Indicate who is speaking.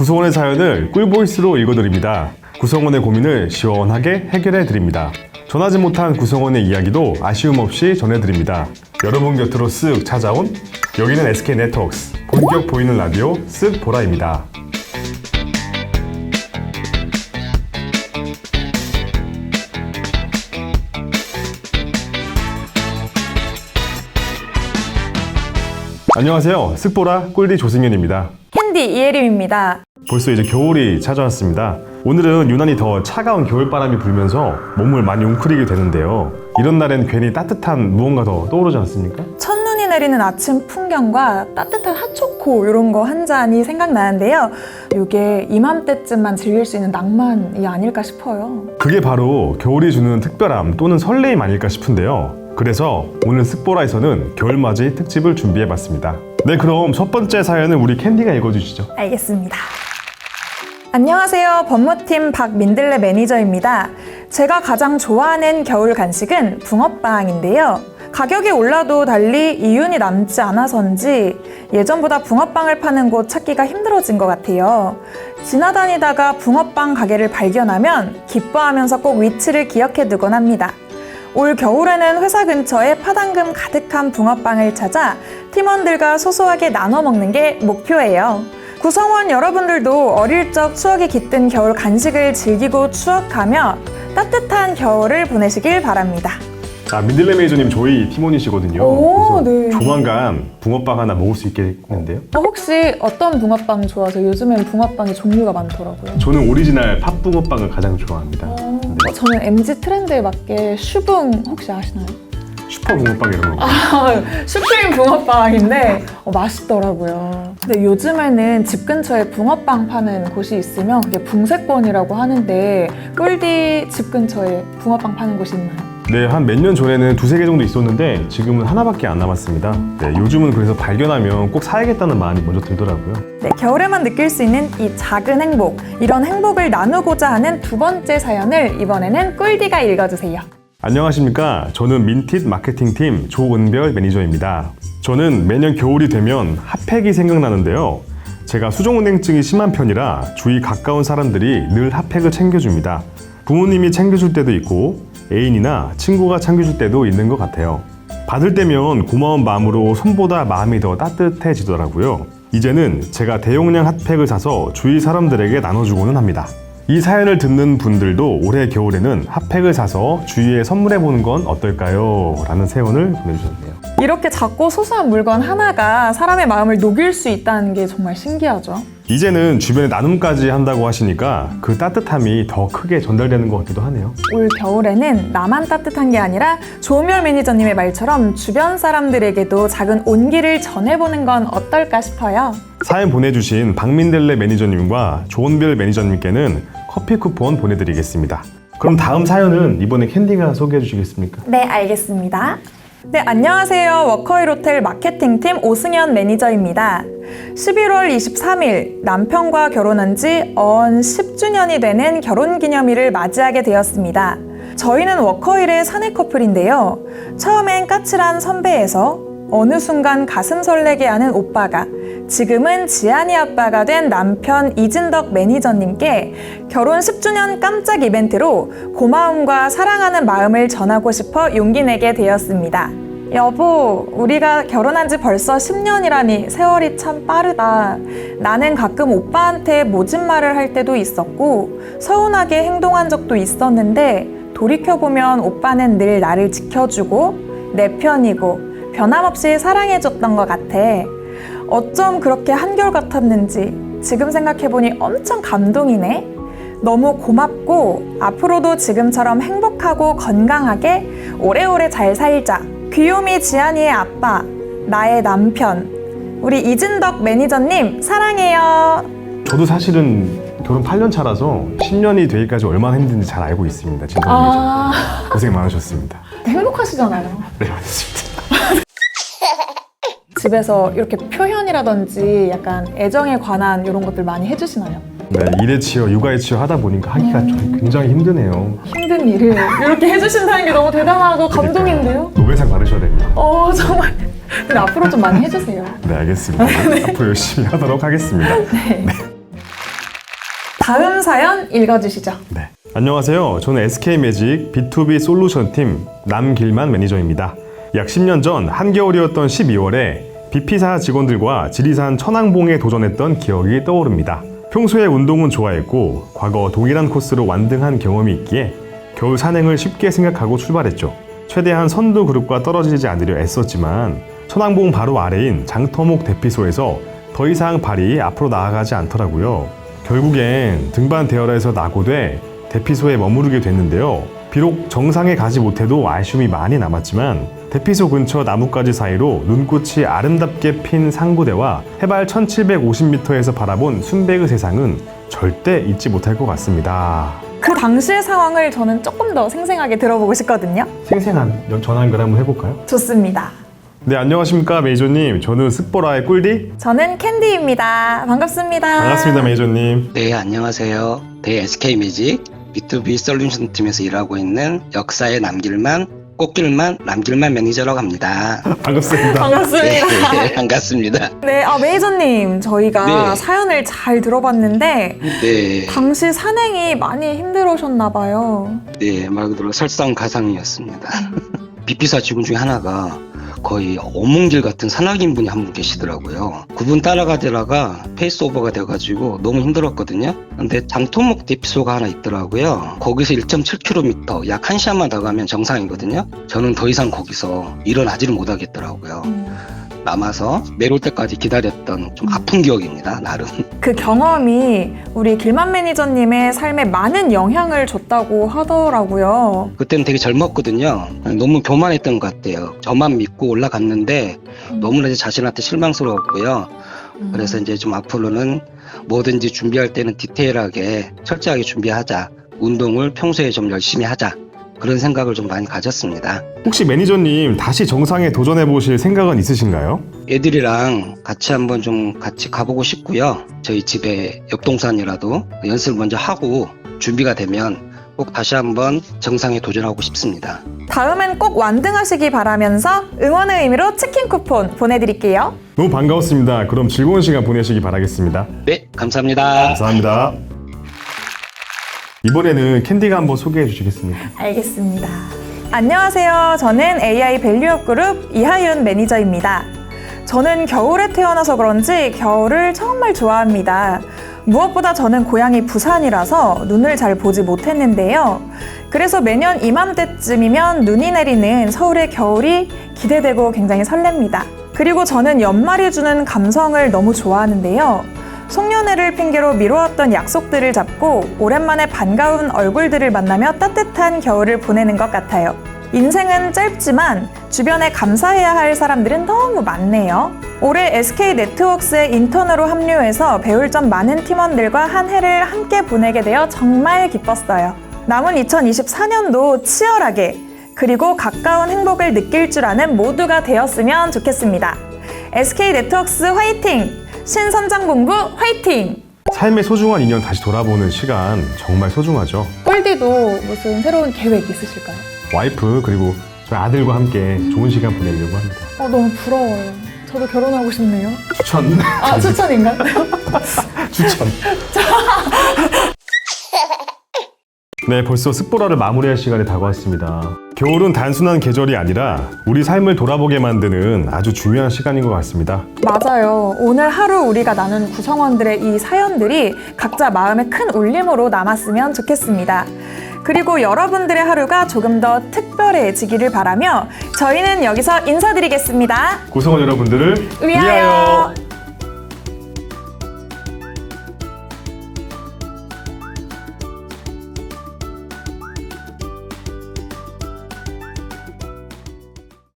Speaker 1: 구성원의 사연을 꿀보이스로 읽어드립니다. 구성원의 고민을 시원하게 해결해드립니다. 전하지 못한 구성원의 이야기도 아쉬움 없이 전해드립니다. 여러분 곁으로 쓱 찾아온 여기는 SK네트워크스 본격 보이는 라디오 쓱 보라입니다. 안녕하세요. 쓱보라 꿀디 조승현입니다.
Speaker 2: 캔디 이혜림입니다.
Speaker 1: 벌써 이제 겨울이 찾아왔습니다. 오늘은 유난히 더 차가운 겨울바람이 불면서 몸을 많이 웅크리게 되는데요. 이런 날엔 괜히 따뜻한 무언가 더 떠오르지 않습니까?
Speaker 2: 첫눈이 내리는 아침 풍경과 따뜻한 핫초코 이런 거 한 잔이 생각나는데요. 이게 이맘때쯤만 즐길 수 있는 낭만이 아닐까 싶어요.
Speaker 1: 그게 바로 겨울이 주는 특별함 또는 설레임 아닐까 싶은데요. 그래서 오늘 쓱보라에서는 겨울맞이 특집을 준비해봤습니다. 네, 그럼 첫 번째 사연은 우리 캔디가 읽어주시죠.
Speaker 2: 알겠습니다. 안녕하세요. 법무팀 박민들레 매니저입니다. 제가 가장 좋아하는 겨울 간식은 붕어빵인데요. 가격이 올라도 달리 이윤이 남지 않아서인지 예전보다 붕어빵을 파는 곳 찾기가 힘들어진 것 같아요. 지나다니다가 붕어빵 가게를 발견하면 기뻐하면서 꼭 위치를 기억해 두곤 합니다. 올 겨울에는 회사 근처에 파당금 가득한 붕어빵을 찾아 팀원들과 소소하게 나눠 먹는 게 목표예요. 구성원 여러분들도 어릴 적 추억이 깃든 겨울 간식을 즐기고 추억하며 따뜻한 겨울을 보내시길 바랍니다.
Speaker 1: 민들레 매니저님 저희 팀원이시거든요.
Speaker 2: 오,
Speaker 1: 그래서
Speaker 2: 네.
Speaker 1: 조만간 붕어빵 하나 먹을 수 있겠는데요?
Speaker 2: 혹시 어떤 붕어빵 좋아하세요? 요즘엔 붕어빵이 종류가 많더라고요.
Speaker 1: 저는 오리지널 팥붕어빵을 가장 좋아합니다. 네.
Speaker 2: 저는 MZ 트렌드에 맞게 슈붕 혹시 아시나요?
Speaker 1: 슈퍼 붕어빵 이런 거.
Speaker 2: 슈프림 붕어빵인데 맛있더라고요. 근데 요즘에는 집 근처에 붕어빵 파는 곳이 있으면 그게 붕세권이라고 하는데 꿀디 집 근처에 붕어빵 파는 곳이 있나요?
Speaker 1: 네, 한 몇 년 전에는 두세 개 정도 있었는데 지금은 하나밖에 안 남았습니다. 네, 요즘은 그래서 발견하면 꼭 사야겠다는 마음이 먼저 들더라고요.
Speaker 2: 네, 겨울에만 느낄 수 있는 이 작은 행복, 이런 행복을 나누고자 하는 두 번째 사연을 이번에는 꿀디가 읽어주세요.
Speaker 1: 안녕하십니까. 저는 민텟 마케팅팀 조은별 매니저입니다. 저는 매년 겨울이 되면 핫팩이 생각나는데요. 제가 수족냉증이 심한 편이라 주위 가까운 사람들이 늘 핫팩을 챙겨줍니다. 부모님이 챙겨줄 때도 있고 애인이나 친구가 챙겨줄 때도 있는 것 같아요. 받을 때면 고마운 마음으로 손보다 마음이 더 따뜻해지더라고요. 이제는 제가 대용량 핫팩을 사서 주위 사람들에게 나눠주고는 합니다. 이 사연을 듣는 분들도 올해 겨울에는 핫팩을 사서 주위에 선물해보는 건 어떨까요? 라는 사연을 보내주셨네요.
Speaker 2: 이렇게 작고 소소한 물건 하나가 사람의 마음을 녹일 수 있다는 게 정말 신기하죠.
Speaker 1: 이제는 주변에 나눔까지 한다고 하시니까 그 따뜻함이 더 크게 전달되는 것 같기도 하네요.
Speaker 2: 올 겨울에는 나만 따뜻한 게 아니라 조은별 매니저님의 말처럼 주변 사람들에게도 작은 온기를 전해보는 건 어떨까 싶어요.
Speaker 1: 사연 보내주신 박민들레 매니저님과 조은별 매니저님께는 커피 쿠폰 보내드리겠습니다. 그럼 다음 사연은 이번에 캔디가 소개해 주시겠습니까?
Speaker 2: 네, 알겠습니다. 네, 안녕하세요. 워커힐 호텔 마케팅팀 오승현 매니저입니다. 11월 23일 남편과 결혼한 지 언 10주년이 되는 결혼기념일을 맞이하게 되었습니다. 저희는 워커힐의 사내 커플인데요. 처음엔 까칠한 선배에서 어느 순간 가슴 설레게 하는 오빠가 지금은 지한이 아빠가 된 남편 이진덕 매니저님께 결혼 10주년 깜짝 이벤트로 고마움과 사랑하는 마음을 전하고 싶어 용기 내게 되었습니다. 여보, 우리가 결혼한 지 벌써 10년이라니 세월이 참 빠르다. 나는 가끔 오빠한테 모진 말을 할 때도 있었고 서운하게 행동한 적도 있었는데 돌이켜보면 오빠는 늘 나를 지켜주고 내 편이고 변함없이 사랑해줬던 것 같아. 어쩜 그렇게 한결같았는지 지금 생각해보니 엄청 감동이네. 너무 고맙고 앞으로도 지금처럼 행복하고 건강하게 오래오래 잘 살자. 귀요미 지한이의 아빠, 나의 남편, 우리 이진덕 매니저님 사랑해요.
Speaker 1: 저도 사실은 결혼 8년 차라서 10년이 되기까지 얼마나 힘든지 잘 알고 있습니다. 진덕 매니저님 고생 많으셨습니다.
Speaker 2: 행복하시잖아요.
Speaker 1: 네, 맞습니다.
Speaker 2: 집에서 이렇게 표현이라든지 약간 애정에 관한 이런 것들 많이 해주시나요?
Speaker 1: 네, 일에 치여 육아에 치여 하다 보니까 하기가 좀 굉장히 힘드네요.
Speaker 2: 힘든 일을 이렇게 해주신다는 게 너무 대단하고 감동인데요?
Speaker 1: 노벨상 받으셔야 됩니다.
Speaker 2: 정말. 근데 앞으로 좀 많이 해주세요.
Speaker 1: 네, 알겠습니다. 앞으로 열심히 하도록 하겠습니다.
Speaker 2: 네. 다음 사연 읽어주시죠.
Speaker 1: 네. 안녕하세요. 저는 SK매직 B2B 솔루션 팀 남길만 매니저입니다. 약 10년 전 한겨울이었던 12월에 BP사 직원들과 지리산 천왕봉에 도전했던 기억이 떠오릅니다. 평소에 운동은 좋아했고 과거 동일한 코스로 완등한 경험이 있기에 겨울 산행을 쉽게 생각하고 출발했죠. 최대한 선두 그룹과 떨어지지 않으려 애썼지만 천왕봉 바로 아래인 장터목 대피소에서 더 이상 발이 앞으로 나아가지 않더라고요. 결국엔 등반 대열에서 낙오돼 대피소에 머무르게 됐는데요. 비록 정상에 가지 못해도 아쉬움이 많이 남았지만 대피소 근처 나뭇가지 사이로 눈꽃이 아름답게 핀 상구대와 해발 1750m에서 바라본 순백의 세상은 절대 잊지 못할 것 같습니다.
Speaker 2: 그 당시의 상황을 저는 조금 더 생생하게 들어보고 싶거든요.
Speaker 1: 생생한 전화 연결 한번 해볼까요?
Speaker 2: 좋습니다.
Speaker 1: 네, 안녕하십니까 매니저님. 저는 쓱보라의 꿀디.
Speaker 2: 저는 캔디입니다. 반갑습니다.
Speaker 1: 반갑습니다 매니저님.
Speaker 3: 네, 안녕하세요. 대 SK매직 B2B 솔루션 팀에서 일하고 있는 역사에 남길만, 꽃길만, 남길만 매니저라고 합니다.
Speaker 1: 반갑습니다.
Speaker 2: 반갑습니다.
Speaker 3: 네, 반갑습니다.
Speaker 2: 네, 매니저님, 저희가
Speaker 3: 네.
Speaker 2: 사연을 잘 들어봤는데
Speaker 3: 네,
Speaker 2: 당시 산행이 많이 힘들으셨나봐요.
Speaker 3: 네, 말 그대로 설상가상이었습니다. 비피사 직원 중에 하나가 거의 어몽길 같은 산악인 분이 한 분 계시더라고요. 그분 따라가다가 페이스오버가 돼가지고 너무 힘들었거든요. 근데 장토목 대피소가 하나 있더라고요. 거기서 1.7km, 약 1시간만 더 가면 정상이거든요. 저는 더 이상 거기서 일어나지를 못하겠더라고요. 남아서 내려올 때까지 기다렸던 좀 아픈 기억입니다, 나름.
Speaker 2: 그 경험이 우리 길만 매니저님의 삶에 많은 영향을 줬다고 하더라고요.
Speaker 3: 그때는 되게 젊었거든요. 너무 교만했던 것 같아요. 저만 믿고 올라갔는데 너무나 제 자신한테 실망스러웠고요. 그래서 이제 좀 앞으로는 뭐든지 준비할 때는 디테일하게 철저하게 준비하자. 운동을 평소에 좀 열심히 하자. 그런 생각을 좀 많이 가졌습니다.
Speaker 1: 혹시 매니저님 다시 정상에 도전해 보실 생각은 있으신가요?
Speaker 3: 애들이랑 같이 한번 좀 같이 가보고 싶고요. 저희 집에 옆동산이라도 연습을 먼저 하고 준비가 되면 꼭 다시 한번 정상에 도전하고 싶습니다.
Speaker 2: 다음엔 꼭 완등하시기 바라면서 응원의 의미로 치킨 쿠폰 보내드릴게요.
Speaker 1: 너무 반가웠습니다. 그럼 즐거운 시간 보내시기 바라겠습니다.
Speaker 3: 네, 감사합니다.
Speaker 1: 감사합니다. 이번에는 캔디가 한번 소개해 주시겠습니까?
Speaker 2: 알겠습니다. 안녕하세요. 저는 AI 밸류업 그룹 이하윤 매니저입니다. 저는 겨울에 태어나서 그런지 겨울을 정말 좋아합니다. 무엇보다 저는 고향이 부산이라서 눈을 잘 보지 못했는데요. 그래서 매년 이맘때쯤이면 눈이 내리는 서울의 겨울이 기대되고 굉장히 설렙니다. 그리고 저는 연말이 주는 감성을 너무 좋아하는데요. 송년회를 핑계로 미뤄왔던 약속들을 잡고 오랜만에 반가운 얼굴들을 만나며 따뜻한 겨울을 보내는 것 같아요. 인생은 짧지만 주변에 감사해야 할 사람들은 너무 많네요. 올해 SK네트워크스에 인턴으로 합류해서 배울 점 많은 팀원들과 한 해를 함께 보내게 되어 정말 기뻤어요. 남은 2024년도 치열하게 그리고 가까운 행복을 느낄 줄 아는 모두가 되었으면 좋겠습니다. SK네트워크스 화이팅! 신선장본부 화이팅!
Speaker 1: 삶의 소중한 인연 다시 돌아보는 시간 정말 소중하죠.
Speaker 2: 꿀디도 무슨 새로운 계획 있으실까요?
Speaker 1: 와이프 그리고 저희 아들과 함께 좋은 시간 보내려고 합니다.
Speaker 2: 너무 부러워요. 저도 결혼하고 싶네요.
Speaker 1: 추천.
Speaker 2: 추천인가요?
Speaker 1: 추천. 네, 벌써 쓱보라를 마무리할 시간이 다가왔습니다. 겨울은 단순한 계절이 아니라 우리 삶을 돌아보게 만드는 아주 중요한 시간인 것 같습니다.
Speaker 2: 맞아요. 오늘 하루 우리가 나눈 구성원들의 이 사연들이 각자 마음에 큰 울림으로 남았으면 좋겠습니다. 그리고 여러분들의 하루가 조금 더 특별해지기를 바라며 저희는 여기서 인사드리겠습니다.
Speaker 1: 구성원 여러분들을
Speaker 2: 위하여!